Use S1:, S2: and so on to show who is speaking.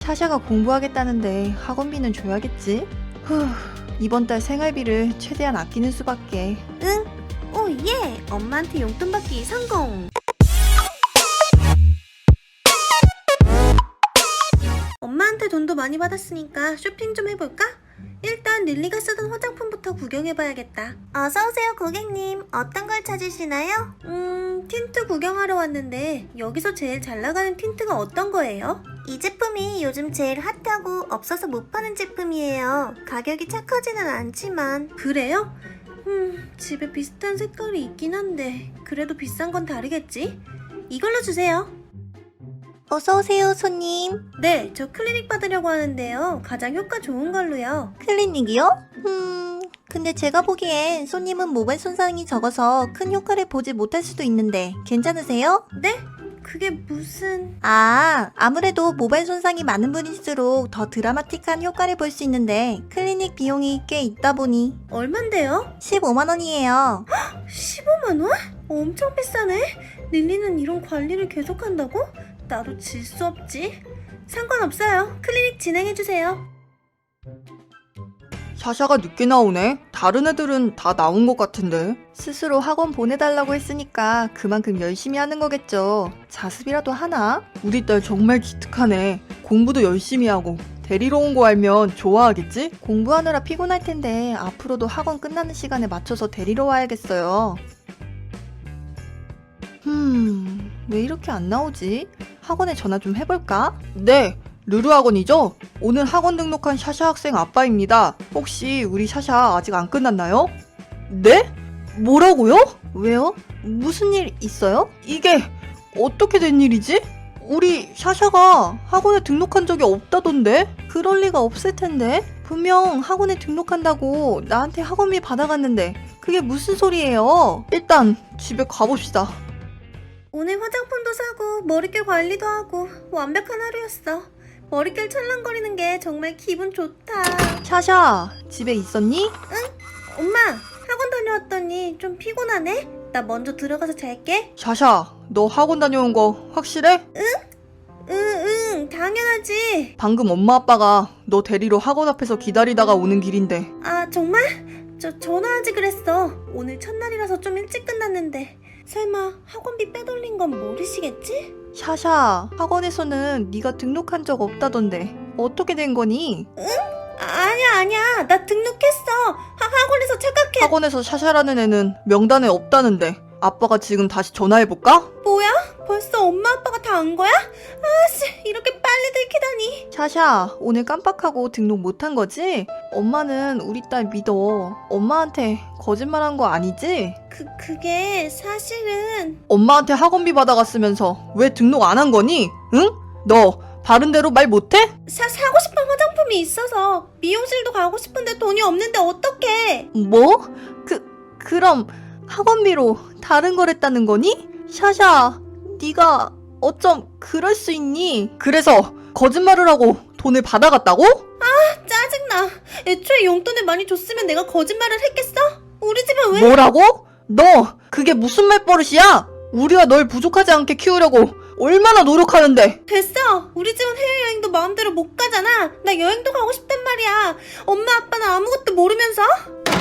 S1: 샤샤가 공부하겠다는데 학원비는 줘야겠지? 이번 달 생활비를 최대한 아끼는 수밖에.
S2: 응? 오 예! 엄마한테 용돈 받기 성공! 엄마한테 돈도 많이 받았으니까 쇼핑 좀 해볼까? 일단 릴리가 쓰던 화장품부터 구경해봐야겠다. 어서오세요 고객님. 어떤 걸 찾으시나요? 틴트 구경하러 왔는데 여기서 제일 잘 나가는 틴트가 어떤 거예요? 이 제품이 요즘 제일 핫하고 없어서 못 파는 제품이에요. 가격이 착하지는 않지만. 그래요? 집에 비슷한 색깔이 있긴 한데 그래도 비싼 건 다르겠지? 이걸로 주세요.
S3: 어서오세요, 손님.
S2: 네, 저 클리닉 받으려고 하는데요. 가장 효과 좋은 걸로요.
S3: 클리닉이요? 근데 제가 보기엔 손님은 모발 손상이 적어서 큰 효과를 보지 못할 수도 있는데 괜찮으세요?
S2: 네? 그게 무슨...
S3: 아무래도 모발 손상이 많은 분일수록 더 드라마틱한 효과를 볼 수 있는데 클리닉 비용이 꽤 있다 보니
S2: 얼만데요?
S3: 15만 원이에요.
S2: 15만 원? 엄청 비싸네? 릴리는 이런 관리를 계속한다고? 나도 질 수 없지. 상관없어요. 클리닉 진행해주세요.
S1: 샤샤가 늦게 나오네? 다른 애들은 다 나온 것 같은데.
S3: 스스로 학원 보내달라고 했으니까 그만큼 열심히 하는 거겠죠. 자습이라도 하나?
S1: 우리 딸 정말 기특하네. 공부도 열심히 하고. 데리러 온 거 알면 좋아하겠지?
S3: 공부하느라 피곤할 텐데 앞으로도 학원 끝나는 시간에 맞춰서 데리러 와야겠어요. 왜 이렇게 안 나오지? 학원에 전화 좀 해볼까?
S1: 네, 르르 학원이죠? 오늘 학원 등록한 샤샤 학생 아빠입니다. 혹시 우리 샤샤 아직 안 끝났나요? 네? 뭐라고요?
S3: 왜요? 무슨 일 있어요?
S1: 이게 어떻게 된 일이지? 우리 샤샤가 학원에 등록한 적이 없다던데?
S3: 그럴 리가 없을 텐데. 분명 학원에 등록한다고 나한테 학원비 받아갔는데 그게 무슨 소리예요?
S1: 일단 집에 가봅시다.
S2: 오늘 화장품도 사고 머릿결 관리도 하고 완벽한 하루였어. 머릿결 찰랑거리는 게 정말 기분 좋다.
S3: 샤샤, 집에 있었니?
S2: 엄마, 학원 다녀왔더니 좀 피곤하네? 나 먼저 들어가서 잘게.
S1: 샤샤, 너 학원 다녀온 거 확실해?
S2: 응, 당연하지.
S1: 방금 엄마 아빠가 너 데리러 학원 앞에서 기다리다가 오는 길인데.
S2: 아, 정말? 전화하지 그랬어. 오늘 첫날이라서 좀 일찍 끝났는데. 설마 학원비 빼돌린 건 모르시겠지?
S3: 샤샤, 학원에서는 네가 등록한 적 없다던데 어떻게 된 거니?
S2: 아니야. 나 등록했어. 학원에서 착각해.
S1: 학원에서 샤샤라는 애는 명단에 없다는데. 아빠가 지금 다시 전화해볼까?
S2: 뭐야? 벌써 엄마 아빠가 다 안 거야? 아씨, 이렇게 빨리 들키다니.
S3: 샤샤, 오늘 깜빡하고 등록 못한 거지? 엄마는 우리 딸 믿어. 엄마한테 거짓말한 거 아니지?
S2: 그게 사실은...
S1: 엄마한테 학원비 받아갔으면서 왜 등록 안 한 거니? 응? 너 바른 대로 말 못해?
S2: 사고 싶은 화장품이 있어서 미용실도 가고 싶은데 돈이 없는데 어떡해.
S3: 뭐? 그럼 학원비로 다른 걸 했다는 거니? 샤샤, 네가 어쩜 그럴 수 있니?
S1: 그래서 거짓말을 하고 돈을 받아갔다고?
S2: 짜증나. 애초에 용돈을 많이 줬으면 내가 거짓말을 했겠어? 우리 집은 왜...
S1: 뭐라고? 너 그게 무슨 말버릇이야? 우리가 널 부족하지 않게 키우려고 얼마나 노력하는데.
S2: 됐어. 우리 집은 해외여행도 마음대로 못 가잖아. 나 여행도 가고 싶단 말이야. 엄마 아빠는 아무것도 모르면서.